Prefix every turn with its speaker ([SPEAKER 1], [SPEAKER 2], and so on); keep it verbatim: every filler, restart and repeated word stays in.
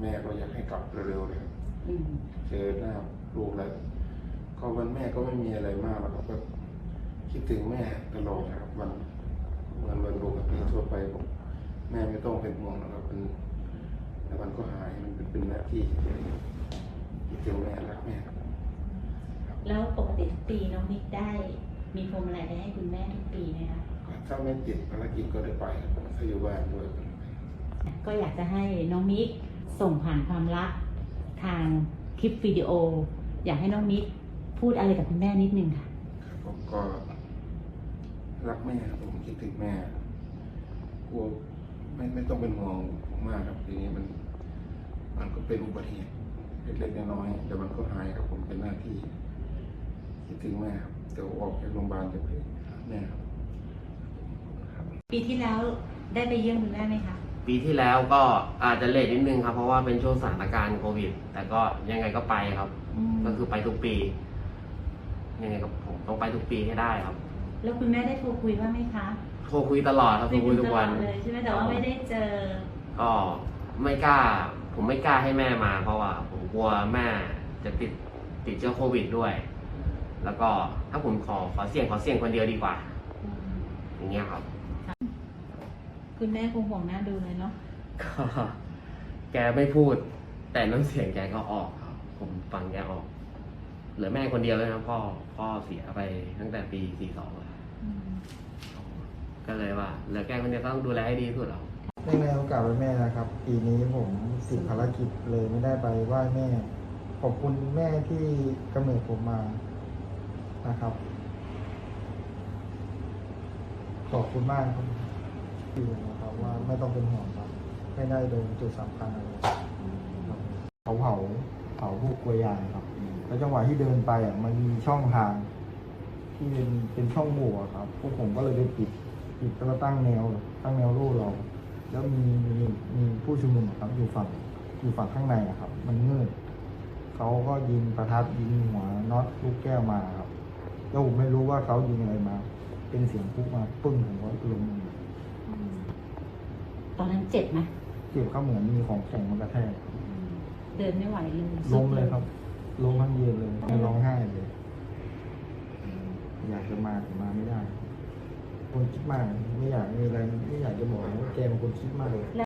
[SPEAKER 1] แม่ก็อยากให้กลับเร็วๆเลยครับเจอหน้าลูกแล้วก็วันแม่ก็ไม่มีอะไรมากหรอกครับก็คิดถึงแม่ตลอดนะครับวันวันวันปกติทั่วไปผมแม่ไม่ต้องเป็นห่วงนะครับมันแต่มันก็หายมันเป็นเป็นหน้าที่คิดถึงแม่รักแม่
[SPEAKER 2] แล้วปกติทุกปีน้องมิกได้มีพวงมาลัยได้ให้คุณแม่ทุกปีไหมคะ
[SPEAKER 1] ถ้าไม่ติดภารกิจก็ได้ไปถ้าอยู่บ้านด้วย
[SPEAKER 2] ก็อยากจะให้น้องมิกส่งผ่านความรักทางคลิปวิดีโออยากให้น้องมิกพูดอะไรกับคุณแม่นิดนึงค่ะ
[SPEAKER 1] ผมก็รักแม่ผมคิดถึงแม่กลัวไม่ไม่ต้องเป็นห่วงมากครับทีนี้มันมันก็เป็นอุบัติเหตุเล็กๆน้อยๆแต่มันก็หายครับผมเป็นหน้าที่คิดถึงแม่ครับเดี๋ยวออกจากโรงพยาบาลจะไปหาแม่ครับ
[SPEAKER 2] ปีที่แล้วได้ไปเยี่ยมคุณแม่ไหมคะ
[SPEAKER 3] ปีที่แล้วก็อาจจะเลทนิดนึงครับเพราะว่าเป็นช่วงสถานการณ์โควิดแต่ก็ยังไงก็ไปครับก็คือไปทุกปียังไงก็ผมต้องไปทุกปีให้ได้ครับ
[SPEAKER 2] แล้วคุณแม่ได้โทรคุยบ้างไหมคะ
[SPEAKER 3] โทรคุยตลอดครับโทรคุยทุกวัน
[SPEAKER 2] เลยใช่ไหมแต่ว่าไม่ได้เจอ
[SPEAKER 3] ก็ไม่กล้าผมไม่กล้าให้แม่มาเพราะว่าผมกลัวแม่จะติดติดเชื้อโควิดด้วยแล้วก็ถ้าผมขอขอเสี่ยงขอเสี่ยงคนเดียวดีกว่าอย่างเงี้ยครับ
[SPEAKER 2] คุณแม่คงห่วงหน้าดูเลยเนาะ
[SPEAKER 3] ก็แกไม่พูดแต่น้ำเสียงแกก็ออกครับผมฟังแกออกเหลือแม่คนเดียวเลยนะพ่อพ่อเสียไปตั้งแต่ปีสี่สองแล้วก็เลยว่าเหลือแกคนเดียวต้องดูแลให้ดีที่สุดแล้ว
[SPEAKER 4] ในในโอกาสวันแม่นะครับปีนี้ผมติดภารกิจเลยไม่ได้ไปไหว้แม่ขอบคุณแม่ที่กำเนิดผมมานะครับขอบคุณมากครับที่นะครับว่าไม่ต้องเป็นห่วงครับไม่ได้โดนจุดสำคัญอะไรเขาเผาเผาพวกกลัวยางครับแล้วจังหวะที่เดินไปอ่ะมันมีช่องทางที่เป็นเป็นช่องโหว่ครับพวกผมก็เลยไปปิดปิดแล้วตั้งแนวตั้งแนวรูเราแล้วมีมีมีผู้ชุมนุมครับอยู่ฝั่งอยู่ฝั่งข้างในครับมันมืดเขาก็ยิงประทัดยิงหัวน็อตลูกแก้วมาครับแล้วผมไม่รู้ว่าเขายิงอะไรมาเป็นเสียงปุ๊บมาปึ้งผมก็ล้ม
[SPEAKER 2] ตอนนั้นเจ็บไหม
[SPEAKER 4] เจ็บเขาเหมือนมีของแข็งมากระแทก
[SPEAKER 2] เดินไม่ไหวเลย
[SPEAKER 4] ล้มเลยครับล้มทั้งยืนเลยไม่ร้องไห้เลยอยากจะมาแต่มาไม่ได้คนคิดมากไม่อยากมีอะไรไม่อยากจะบอกว่าแกเป็นคนคิดมากเลย